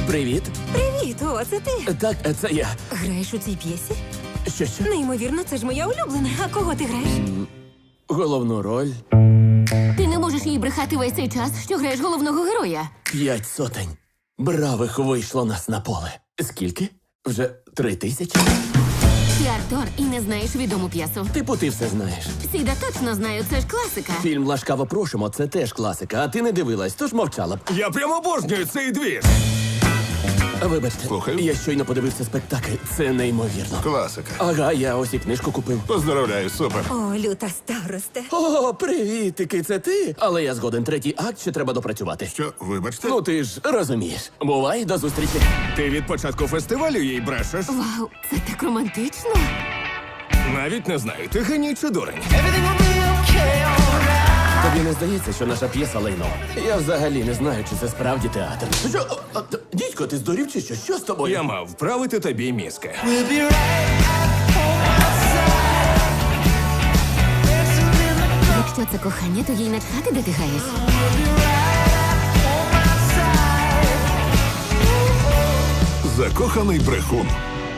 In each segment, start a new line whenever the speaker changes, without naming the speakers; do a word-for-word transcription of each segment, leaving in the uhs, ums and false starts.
Привіт.
Привіт, о, це ти.
Так, це я.
Граєш у цій п'єсі?
Що що?
Неймовірно, це ж моя улюблена. А кого ти граєш?
Головну роль
Ти не можеш їй брехати весь цей час, що граєш головного героя.
п'ять сотень. Бравих вийшло нас на поле. Скільки? Вже три тисячі?
Ти актор і не знаєш відому п'єсу.
Типу, ти все знаєш.
Сіда точно знаю, це ж класика.
Фільм «Ласкаво просимо» – це теж класика, а ти не дивилась, тож мовчала б.
Я прямо обожнюю цей двір.
Вибачте,
Слухаю.
я щойно подивився спектакль. Це неймовірно.
Класика.
Ага, я ось і книжку купив.
Поздравляю, супер.
О, люта старосте.
О, привітики, це ти? Але я згоден, третій акт ще треба допрацювати.
Що, вибачте?
Ну ти ж розумієш. Бувай, до зустрічі.
Ти від початку фестивалю їй брешеш?
Вау, це так романтично.
Навіть не знаю, ти геній чи дурень.
Тобі не здається, що наша п'єса лайно? Я взагалі не знаю, чи це справді театр. Що? О, о, Дідько, ти здурів чи що? Що з тобою?
Я мав вправити тобі мізки.
Якщо це кохання, то їй начхати, де ти граєш.
Закоханий брехун.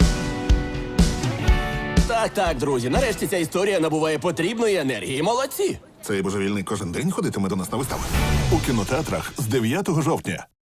Так, так, друзі, нарешті ця історія набуває потрібної енергії. Молодці!
Цей божевільний кожен день ходитиме до нас на вистави. У кінотеатрах з дев'ятого жовтня.